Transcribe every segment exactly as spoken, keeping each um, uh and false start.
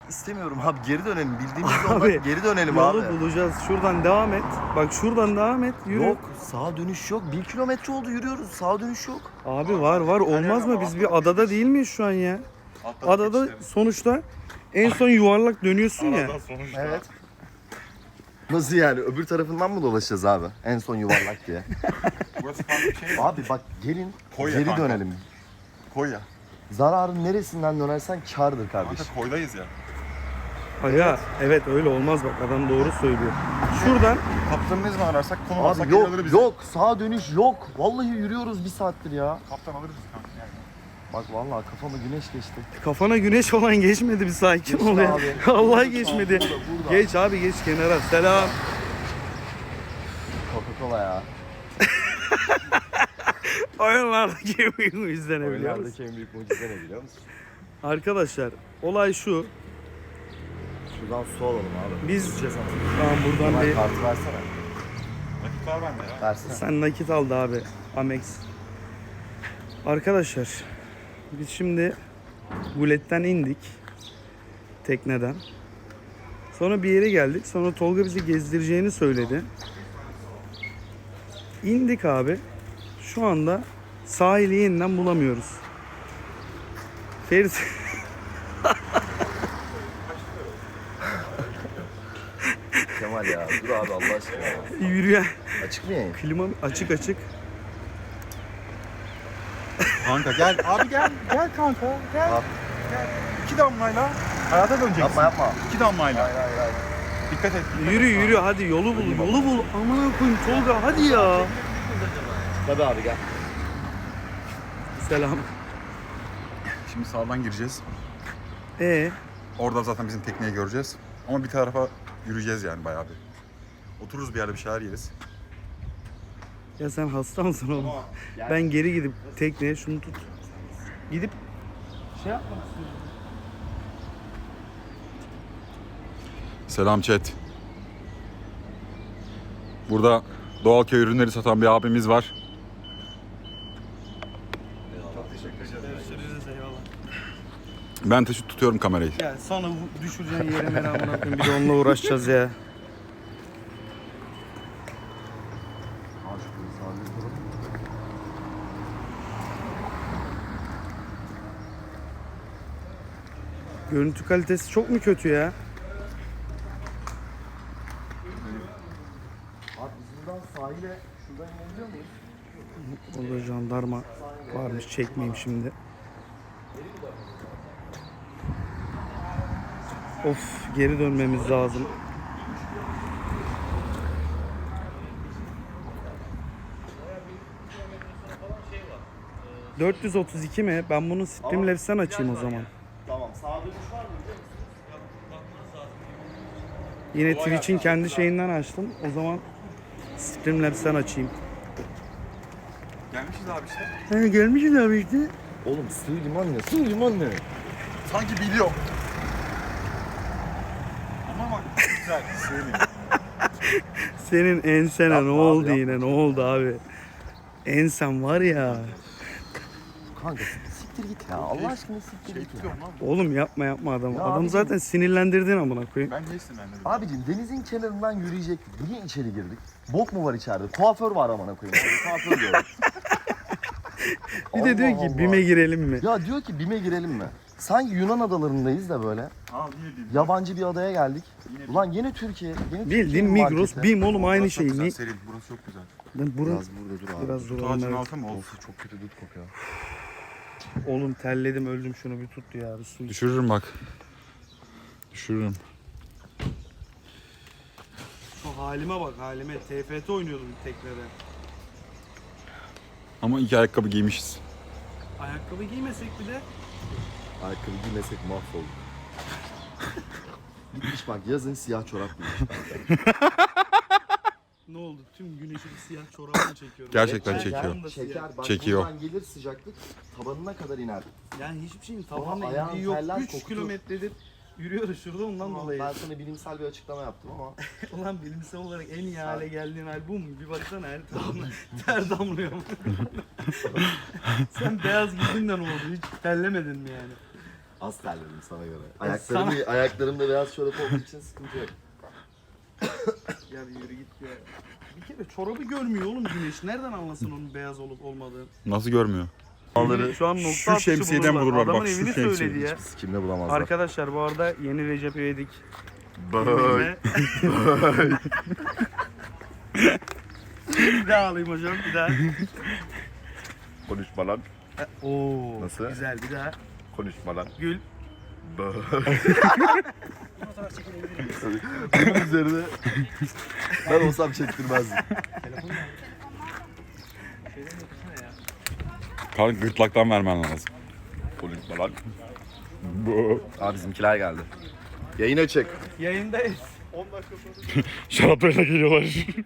istemiyorum abi. Geri dönelim. Bildiğimiz Abi, yoldan geri dönelim Yolu abi. bulacağız. Şuradan devam et. Bak şuradan devam et. Yürü. Yok, sağa dönüş yok. Bir kilometre oldu yürüyoruz. Sağa dönüş yok. Abi var var olmaz mı? Biz bir adada değil miyiz şu an ya? Atladık Adada işte. sonuçta en son yuvarlak dönüyorsun ya. Aradan sonuçta. Evet. Nasıl yani? Öbür tarafından mı dolaşacağız abi? En son yuvarlak diye. Burası farklı bir şey mi? Abi bak gelin Koy ya geri kanka. dönelim. Koy ya. Zararın neresinden dönersen kârdır Kanka kardeşim. koydayız ya. Aga evet öyle olmaz bak adam doğru söylüyor. Şuradan Kaptanı ne zaman ararsak konu alsak Abi geri yok alır bizi. yok sağa dönüş yok. Vallahi yürüyoruz bir saattir ya. Kaptan alır bizi kanka yani. Bak vallahi kafama güneş geçti. kafana güneş olan geçmedi bir sakin Geçti ol ya. abi. Allah geçmedi. Burada, burada. Geç abi geç kenara. Selam. Coca-Cola ya. Oyunlardaki en büyük mucize ne biliyor musun? Oyunlardaki en büyük mucize ne biliyor musun? Arkadaşlar olay şu. Şuradan su alalım abi. Biz İçeceğiz artık. tamam buradan Hemen bir kartı versene. Nakit var bende ya. Versene. sen nakit aldı abi Amex. Arkadaşlar biz şimdi Gulet'ten indik tekneden. Sonra bir yere geldik. Sonra Tolga bizi gezdireceğini söyledi. İndik abi. Şu anda sahili yeniden bulamıyoruz. Ferit Kemal ya dur abi Allah aşkına ya. yürüyen Açık mı yayın? klima açık açık. Kanka gel. Abi gel. Gel kanka. Gel. Al. Gel. İki damlayla hayata döneceksin. Yapma yapma. İki damlayla. Hayır hayır hayır. Dikkat et. dikkat Yürü et. yürü hadi yolu bul yolu bul. Amına koyayım Tolga hadi ya. Tabii abi gel. Selam. Şimdi sağdan gireceğiz. E Orada zaten bizim tekneyi göreceğiz. Ama bir tarafa yürüyeceğiz yani bayağı bir. Otururuz bir yerde bir şeyler yeriz. ya sen hasta mısın oğlum? Ben geri gidip tekneye şunu tut. Gidip şey yapmak istiyorum. Selam chat. Burada doğal köy ürünleri satan bir abimiz var. Görüşürüz eyvallah. Ben taşı tutuyorum kamerayı. Ya sonra bu düşüreceğin yere ben amına koyayım bir de onunla uğraşacağız ya. Al şurayı sağlayalım. Görüntü kalitesi çok mu kötü ya? Abi biz buradan sahile şuradan inebiliyor muyuz? Orada jandarma varmış çekmeyeyim şimdi. Of geri dönmemiz lazım. dört yüz otuz iki mi? Ben bunu Streamlabs'ten açayım o zaman. Tamam sağa dönüş var mı? Yine Twitch'in kendi şeyinden açtım. O zaman Streamlabs'ten açayım. Gelmişiz abi işte. He gelmişiz abi işte. Oğlum sığ liman ne? Sığ liman ne? Sanki biliyorum. Ama bak güzel. Söyleyeyim. Senin ensene Yapma ne abi, oldu yapma. yine ne oldu abi? Ensen var ya. Kanka siktir git ya. Allah aşkına siktir Şey git ya. tutuyorum lan. Oğlum yapma yapma adam. Ya Adam abicim- zaten sinirlendirdin amına koyayım. Ben niye sinirlendim? Abicim denizin kenarından yürüyecektik. Niye içeri girdik? Bok mu var içeride? Kuaför var amına koyayım. Kuaför diyorum. Bir de diyor Allah ki Allah. BİM'e girelim mi? Ya diyor ki BİM'e girelim mi? Sanki Yunan adalarındayız da böyle. Al yine değil. Yabancı bir adaya geldik. Ulan yine Türkiye. Yine Bildiğin Türkiye'nin Migros, marketi. BİM oğlum aynı Burası çok şey. güzel, Ni- serin. Burası çok güzel. Ben burun Biraz burada dur abi. biraz Tut duralım. ağacını evet. alsam mı? Of çok kötü dut kokuyor. Oğlum terledim öldüm şunu bir tut ya. Bir su iç. Düşürürüm bak. Düşürürüm. Şu halime bak halime. T F T oynuyordum teknede. Ama iki ayakkabı giymişiz. Ayakkabı giymesek bile Ayakkabı giymesek mahvolduk. Gitmiş bak yazın siyah çorap giymiş. ne oldu? Tüm güneşi bir siyah çorabını çekiyorum. Gerçekten Ben- çekiyor. ben de siyah. Çeker bak Çekiyor. buradan gelir sıcaklık tabanına kadar iner. Yani hiçbir şeyin Sonra tabanla ayağın ilgili yok. terler, üç kokutur. kilometredir yürüyoruz şurada ondan dolayı. Ben sana bilimsel bir açıklama yaptım ama Ulan bilimsel olarak en iyi hale geldiğin hal bu mu? Bir baksana her tarafına ter damlıyor mu? Sen beyaz giydin de ne oldu? Hiç terlemedin mi yani? Az terledim sana göre. Ayaklarım, ayaklarımda biraz çorap olduğu için sıkıntı yok. Ya bir yürü git ya. Bir kere çorabı görmüyor oğlum güneş. Nereden anlasın onun beyaz olup olmadığını? Nasıl görmüyor? Onları Şu an nokta Şu atışı şemsiyeden bulurlar. bulurlar, Adamın bak, şu evini şemsiye. söyledi ya. kimle bulamazlar. Arkadaşlar bu arada yeni Recep İvedik. Böyle. Bir daha alayım hocam bir daha. Konuşma lan. Oo, Nasıl? güzel bir daha. Konuşma lan. Gül. Bunun üzerine ben olsam çektirmezdim. Kanka gırtlaktan vermen lazım. Konuşma lan. Abi bizimkiler geldi. Yayın açık. Yayındayız. Şaraplarıyla geliyorlar.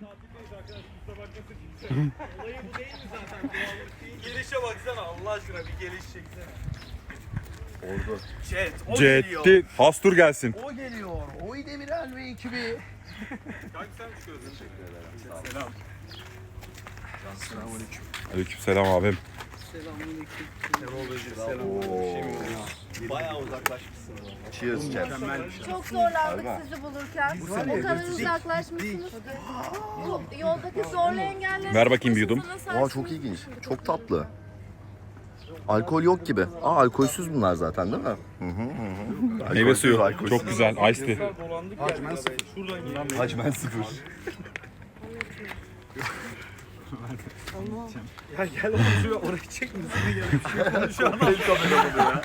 Gelişe baksana Allah aşkına bir geliş çeksene. Oldu. Chat o geliyor. Cetti. Hastur gelsin. O geliyor. Oy Demirel ve ekibi. Aleykümselam abim. Bayağı uzaklaşmışsın. Cheers chat. Çok zorlandık sizi bulurken. O kadar uzaklaşmışsınız ki. Bu yoldaki zorlu engelleri... Ver bakayım bir yudum. Aa çok ilginç. Çok tatlı. Alkol yok gibi. Aa alkolsüz bunlar zaten değil mi? Hı hı hı. Meyve suyu. alkolsüz. Çok güzel. Ice tea. Dolandık ya. Hacmen sıfır. Şuradan gidelim. Hacmen sıfır. Ya gel oğlum şuraya oraya çekmesin gel. Bir şey konuşuyor adam.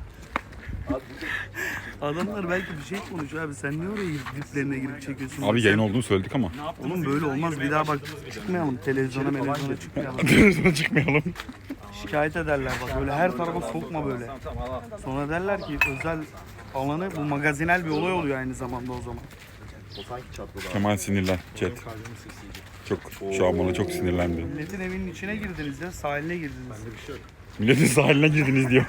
Adamlar belki bir şey konuşuyor abi. Sen niye oraya girip diplerine girip çekiyorsun? Abi yayın olduğunu söyledik ama. Oğlum böyle olmaz. Bir daha bak çıkmayalım. Televizyona televizyona çıkmayalım. Televizyona çıkmayalım. Şikayet ederler bak. Böyle her tarafa sokma böyle. Sonra derler ki özel alanı bu magazinel bir olay oluyor aynı zamanda o zaman. O sanki çatladı abi. Kemal sinirlen. Chat. Çok şu an bana çok sinirlendi. Milletin evinin içine girdiniz ya. Sahiline girdiniz. Milletin sahiline girdiniz diyor.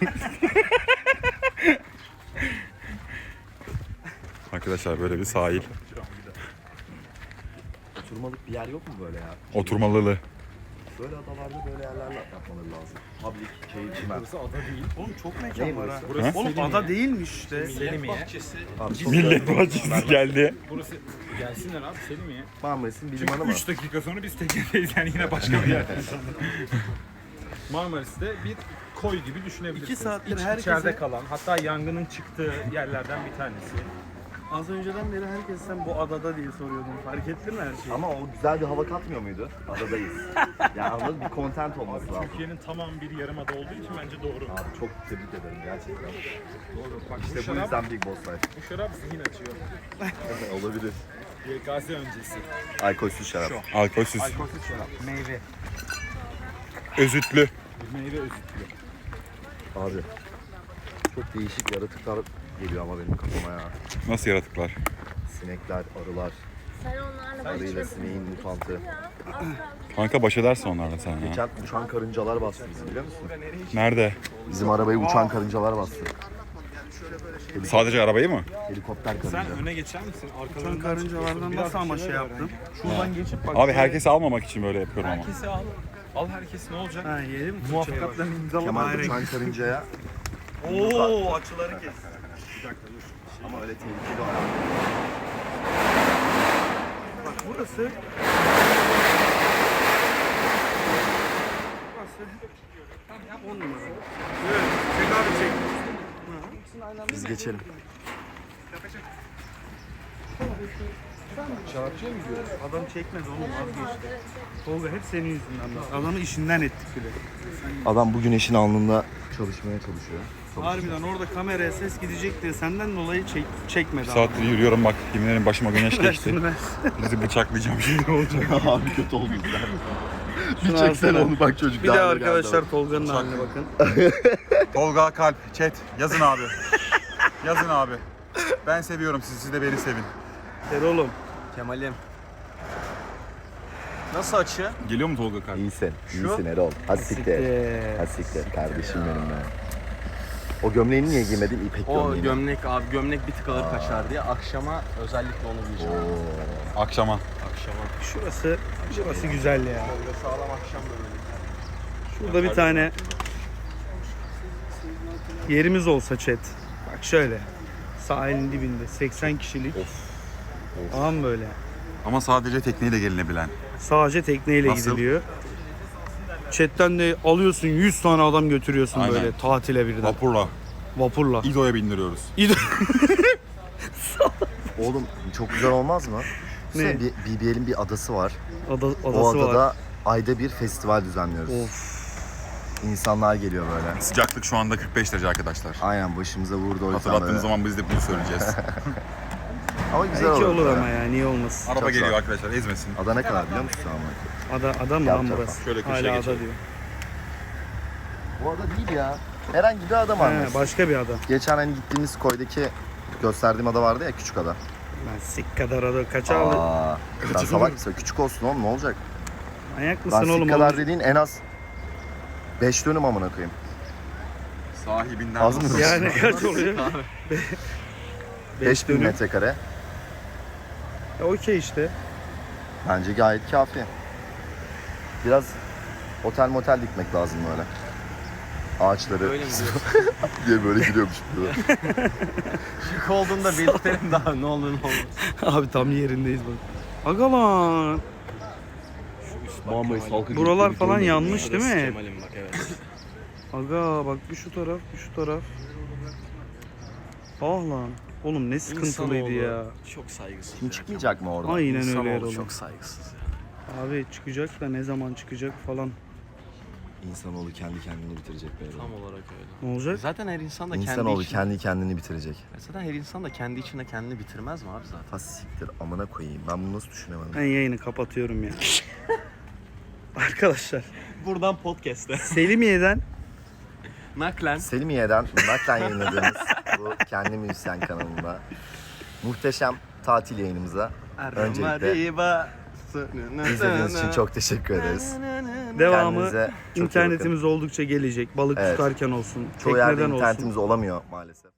Arkadaşlar böyle bir sahil. Oturmalık bir yer yok mu böyle ya? Oturmalılı. Böyle adalarda böyle yerler yapmaları lazım. Public, keyif, çimen. Oğlum çok Ne mekan var ha. burası? Oğlum ada değilmiş işte. Abi, çok Millet da- bahçesi geldi. Burası gelsinler abi Selimiye. Marmaris'in bilim Çünkü hanı mı? üç dakika sonra biz teknedeyiz yani yine başka bir yerde. Marmaris'te bir koy gibi düşünebilirsiniz. İki saattir İç, herkese- içeride kalan, hatta yangının çıktığı yerlerden bir tanesi. Az önceden beri herkes sen bu adada diye soruyordun. Fark ettin mi her şeyi? Ama o güzel bir hava katmıyor muydu? Adadayız. Yani anladın mı? Bir content olması lazım. Türkiye'nin tamam bir yarımada olduğu için bence doğru. Abi çok tebrik ederim gerçekten. Doğru. Bak İşte bu bu şarap, yüzden Big Boss Life. bu şarap zihin açıyor. Olabilir. Y K S öncesi. Alkolsüz şarap. Alkolsüz. Alkolsüz şarap. Meyve. Özütlü. Meyve özütlü. Abi çok değişik yaratıklar geliyor ama benim kafama ya. Nasıl yaratıklar? Sinekler, arılar, Sen onlarla arıyla sineğin mutantı. Kanka baş edersin onlarla sen ya. Geçen uçan karıncalar bastı bizi biliyor musun? Nerede? Bizim arabayı uçan karıncalar bastı. Sadece arabayı mı? Helikopter Sen karınca. öne geçer misin? Sen Arkalarından karıncalardan Biraz nasıl ama bir şey şeyler yaptın? öğren. Şuradan geçip bak. Abi herkesi almamak için böyle yapıyorum ama. Herkesi al. Al herkes ne olacak? Ha yedim. Muvaffakatla imzala. Kemal Hayır. uçan karıncaya Oo açıları kes. ama öyle tehlikeli o. Bak burası. Burası. On numara. Evet. Çek abi çek. Biz geçelim. Adam çekmedi oğlum vazgeçti. Tolga hep senin yüzünden. bak. Adamı işinden ettik bile. Adam bu güneşin alnında çalışmaya çalışıyor. Harbiden orada kameraya ses gidecek diye senden dolayı çek, çekmedi Bir adam. saattir yürüyorum bak yemin ederim başıma güneş Ver geçti. şunu ver. Bizi bıçaklayacağım şimdi olacak. Abi kötü oldu bizden. Bir Şunu çeksene alsana. onu bak çocuk. Bir de daha da arkadaşlar geldi. Tolga'nın haline bakın. Tolga Kalp, chat yazın abi. Yazın abi. Ben seviyorum sizi, siz de beni sevin. Gel oğlum. Kemal'im. Nasıl açı? Geliyor mu Tolga Kalp? İyisin. İyisin Erol. Hasiktir. Hasiktir kardeşim benim be. O gömleğini niye giymedin? İpek O gömleğini. gömlek abi gömlek bir tık ağır kaçar diye akşama özellikle onu giyeceğim. Oo. Akşama. Akşama. Şurası, şurası güzel ya. Böyle sağlam akşam böyle. Şurada bir tane yerimiz olsa chat. Bak şöyle. Sahilin dibinde seksen kişilik. Ağam böyle. Ama sadece tekneyle gelinebilen. Sadece tekneyle Nasıl? gidiliyor. Chatten de alıyorsun yüz tane adam götürüyorsun Aynen. böyle tatile birden. Vapurla. Vapurla. İdo'ya bindiriyoruz. Oğlum çok güzel olmaz mı? Ne? Ne? B B L'in bir adası var. Ada, adası O adada var. ayda bir festival düzenliyoruz. Of. İnsanlar geliyor böyle. Sıcaklık şu anda kırk beş derece arkadaşlar. Aynen başımıza vurdu o yüzden Hatırlattığınız böyle. zaman biz de bunu söyleyeceğiz. Ama güzel Belki olur. olur böyle. ama ya niye olmasın. Araba Çok geliyor sağ ol. arkadaşlar, ezmesin. Ada ne kadar biliyor musun ama? Ada, ada mı lan Yapacak burası? Şöyle köşeye Hala ada geçelim. diyor. Bu ada değil ya. Herhangi bir ada var. He, başka bir ada. Geçen hani gittiğimiz koydaki gösterdiğim ada vardı ya, küçük ada. Lan sik kadar ada kaça aldı? Aa, sen salak mısın? Küçük olsun oğlum, ne olacak? Manyak Lan mısın oğlum? sik kadar Oğlum? dediğin en az beş dönüm amına koyayım. Sahibinden Az mı? nasıl? Yani kaç oluyor? beş bin dönüm. metrekare. Ya okey işte. Bence gayet kafi. Biraz otel motel dikmek lazım böyle. Ağaçları Öyle mi diyorsun? diye böyle giriyormuş. Şık olduğunda belirtelim daha ne olur ne olmaz. Abi tam yerindeyiz bak. Aga lan. Muhammed Salkı Buralar falan yanmış değil mi? Kemal'im bak evet. Aga bak bir şu taraf bir şu taraf. Ah lan. Oğlum ne sıkıntılıydı ya. Çok saygısız. Kim çıkmayacak mı oradan? Aynen öyle İnsanoğlu Erol. çok saygısız ya. Abi çıkacak da ne zaman çıkacak falan. İnsanoğlu kendi kendini bitirecek böyle. Tam olarak öyle. Ne olacak? Zaten her insan da kendi İnsanoğlu içinde... kendi kendini bitirecek. Zaten her insan da kendi içinde kendini bitirmez mi abi zaten? Ha siktir amına koyayım. Ben bunu nasıl düşünemedim? Ben yayını kapatıyorum ya. Arkadaşlar Buradan podcast'e. Selimiye'den Naklen. Selimiye'den naklen yayınladığımız bu kendi müzisyen kanalında muhteşem tatil yayınımıza öncelikle izlediğiniz için çok teşekkür ederiz. devamı Kendinize çok iyi internetimiz oldukça gelecek. Balık Evet. tutarken olsun, Çoğu yerde tekneden olsun. internetimiz olamıyor maalesef.